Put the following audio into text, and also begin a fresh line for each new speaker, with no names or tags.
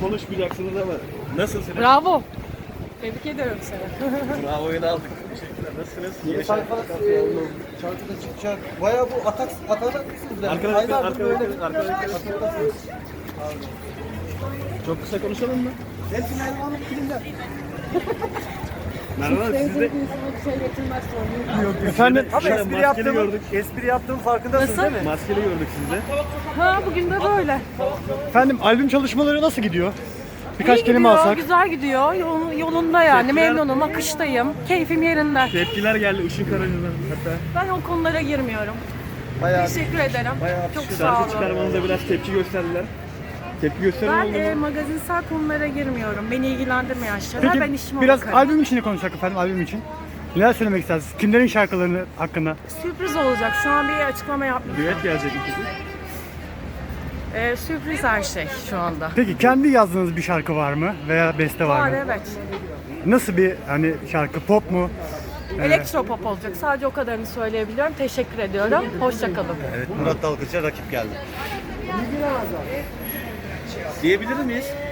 konuşmayacaksınız ama nasılsınız?
Bravo. Tebrik ediyorum seni.
Bravo'yu aldık. Teşekkürler. Nasılsınız?
Yeni sayfa şarkıda çıkacak. Bayağı bu atacak mısınız? Yani?
Arkadaşlar. Çok kısa konuşalım mı?
Hepsini Elvan'ın filmler.
Merhaba siz de.
Efendim
Ama
Maskeli gördük.
espri yaptığım farkındasınız
Nasıl?
değil mi?
Maskeli gördük sizde.
Ha bugün de böyle.
efendim albüm çalışmaları nasıl gidiyor? Birkaç
İyi
kelime
gidiyor,
alsak.
güzel gidiyor. Yolunda yani.
Tepkiler-
Memnunum, akıştayım. Keyfim yerinde.
Tepkiler geldi Işın Karaca'dan hatta.
Ben o konulara girmiyorum.
Bayağı
Teşekkür ederim. Çok sağ
Şarkı
olun.
çıkarmanıza biraz tepki gösterdiler. Tepki gösteren oldu
Ben
mu?
magazinsel konulara girmiyorum. Beni ilgilendirmeyen şeyler. Ben
Peki
işime
biraz
bakarım.
albüm için de konuşsak efendim, albüm için. Neler söylemek istersiniz? Kimlerin şarkılarını hakkında?
Sürpriz olacak. Şu an bir açıklama yapmayacağım.
Düet gelecek ikisi.
Sürpriz her şey şu anda.
Peki kendi yazdığınız bir şarkı var mı? Veya beste var
Var
mı?
evet.
Nasıl bir hani şarkı? Pop mu?
Elektropop olacak. Sadece o kadarını söyleyebiliyorum. Teşekkür ediyorum. Hoşça kalın.
Evet, Murat Dalgıç'a rakip geldi.
Diyebilir miyiz?